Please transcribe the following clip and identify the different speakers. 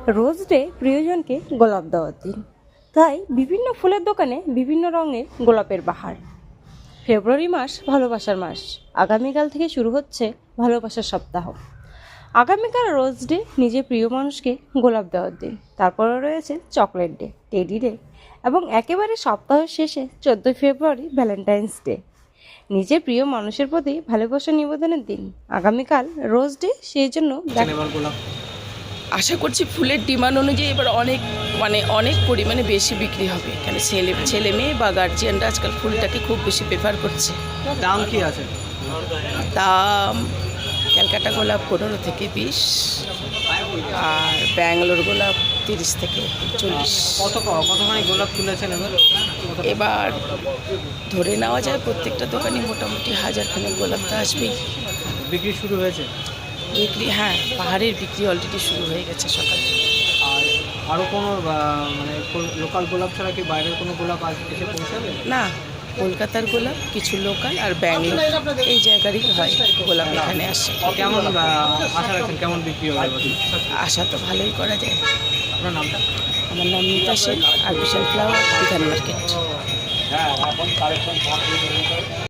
Speaker 1: Rose day প্রিয়জনকে গোলাপ দেওয়ার দিন, তাই বিভিন্ন ফুলের দোকানে বিভিন্ন রঙের গোলাপের বাহার। ফেব্রুয়ারি মাস ভালোবাসার মাস। আগামীকাল থেকে শুরু হচ্ছে ভালোবাসার সপ্তাহ। আগামীকাল রোজ ডে, নিজের প্রিয় মানুষকে গোলাপ দেওয়ার দিন। তারপরে রয়েছে চকলেট ডে, টেডি ডে এবং একেবারে সপ্তাহের শেষে 14 ফেব্রুয়ারি ভ্যালেন্টাইন্স ডে, নিজের প্রিয় মানুষের প্রতি ভালোবাসা নিবেদনের দিন। আগামীকাল রোজ ডে, সেই জন্য
Speaker 2: আশা করছি ফুলের ডিমান্ড অনুযায়ী এবার অনেক পরিমাণে বেশি বিক্রি হবে। কেন ছেলে মেয়ে বা গার্জিয়ানরা আজকাল ফুলটাকে খুব বেশি প্রেফার করছে।
Speaker 3: দাম কি আছে?
Speaker 2: দাম ক্যালকাটা গোলাপ 15 থেকে 20, আর ব্যাঙ্গালোর গোলাপ 30 থেকে 40।
Speaker 3: কতখানি গোলাপ তুলেছেন
Speaker 2: এবার ধরে নেওয়া যায় প্রত্যেকটা দোকানে মোটামুটি 1000 খানেক গোলাপ তো আসবেই।
Speaker 3: বিক্রি শুরু হয়েছে?
Speaker 2: বিক্রি, হ্যাঁ, পাহাড়ের বিক্রি অলরেডি শুরু হয়ে গেছে সকালে।
Speaker 3: আর আরও কোনো লোকাল গোলাপ ছাড়া কি বাইরের কোনো গোলাপ এসে পৌঁছাবে?
Speaker 2: না, কলকাতার গোলাপ, কিছু লোকাল আর ব্যাঙ্গালোর এই জায়গারই হয় গোলাপ এখানে আসে।
Speaker 3: কেমন আশা রাখছেন, কেমন বিক্রি হবে?
Speaker 2: আশা তো ভালোই করা যায়।
Speaker 3: আপনার নামটা?
Speaker 2: আমার নাম মিতা সেন, আর বিশাল ফ্লাওয়ার, বিধান মার্কেট।